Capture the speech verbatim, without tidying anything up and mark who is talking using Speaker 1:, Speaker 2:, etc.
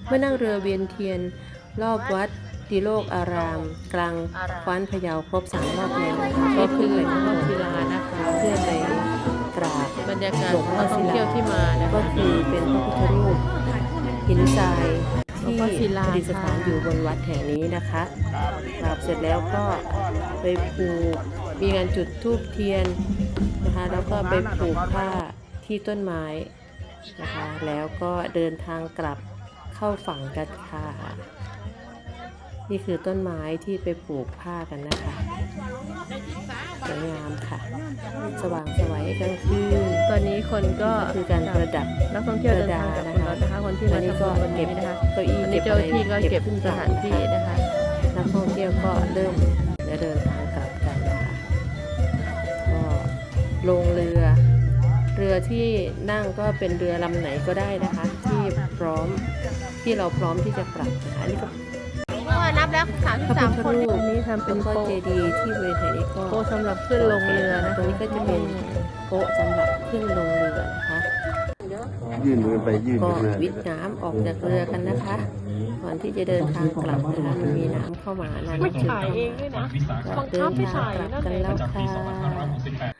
Speaker 1: เมื่อนั่งเรือเวียนเทียนรอบวัดติโลกอาราม กลางคว้านพะเยาครบสามรอบแล้วก็ขึ้นไปข้างบน
Speaker 2: ศิลานะคะ
Speaker 1: เพื่อไปกราบบ
Speaker 2: รรยากาศ
Speaker 1: หลวงพ่อ
Speaker 2: นักท่
Speaker 1: ศิ
Speaker 2: องเที่ย
Speaker 1: ลาว
Speaker 2: ที่มานะ
Speaker 1: ก็
Speaker 2: คะ
Speaker 1: คือเป็นพระพุทธรูปหินทราย
Speaker 2: หลวง
Speaker 1: ที่
Speaker 2: พ่อศิลา
Speaker 1: ประดิษฐานอยู่บนวัดแห่งนี้นะคะกราบเสร็จแล้วก็ไปผูกมีการจุดธูปเทียนนะคะแล้วก็ไปผูกผ้าที่ต้นไม้นะคะแล้วก็เดินทางกลับเข้าฝั่งกันค่ะนี่คือต้นไม้ที่ไปปลูกผ้ากันนะคะสวยงามค่ะสว่างไสวกลางคืน
Speaker 2: ตอนนี้คนก็
Speaker 1: คือการประดับ
Speaker 2: นักท่องเที่ยวเดินทางกลับหมดแล้วนะคะคนที่มา
Speaker 1: อันนี้
Speaker 2: ทำ
Speaker 1: ก็
Speaker 2: บุญวัน
Speaker 1: เก็
Speaker 2: นี้
Speaker 1: บ
Speaker 2: นะคะ
Speaker 1: เก้าอี้
Speaker 2: วันนี้
Speaker 1: เก็บ
Speaker 2: เจ้า
Speaker 1: อะไร
Speaker 2: หน้าที่ก็เก็บ
Speaker 1: ขึ้น
Speaker 2: สถานที่นะคะ
Speaker 1: นักท่องเที่ยวก็เริ่มจะเดินทางกลับกันนะคะก็ลงเรือ เรือที่นั่งก็เป็นเรือลำไหนก็ได้นะคะ ที่พร้อมที่เราพร้อมที่จะกลับนะคะอันนี้ก็
Speaker 2: ก็นับแล้วสามสิบ
Speaker 1: พระ
Speaker 2: สาม
Speaker 1: พุทธ
Speaker 2: คน
Speaker 1: รูป
Speaker 2: นี้ทำเป็
Speaker 1: แล้
Speaker 2: น
Speaker 1: วก็
Speaker 2: โป๊ะ
Speaker 1: เจดีย์ที่บริเวณแห่งนี้ก็
Speaker 2: โป๊ะสำหรับขึ้นลงเรือนะ
Speaker 1: ตรงนี้ก็จะเป็นโป๊ะสำหรับขึ้นลงเรือนะคะ
Speaker 3: ยื่นมือไปยื่น
Speaker 1: ก็
Speaker 3: ไปเรื่อย
Speaker 1: วิทย์น้ำออกจากเรือกันนะคะก่อนที่จะเดินทางกลับนะคะมันมีน้ำเข้ามาน้ำ
Speaker 2: ไม่
Speaker 1: จืด
Speaker 2: ถ่าย
Speaker 1: เข้า
Speaker 2: เอง
Speaker 1: มา
Speaker 2: ด้วยนะ
Speaker 1: ก็เดินทางกลับกันแล้วค่ะ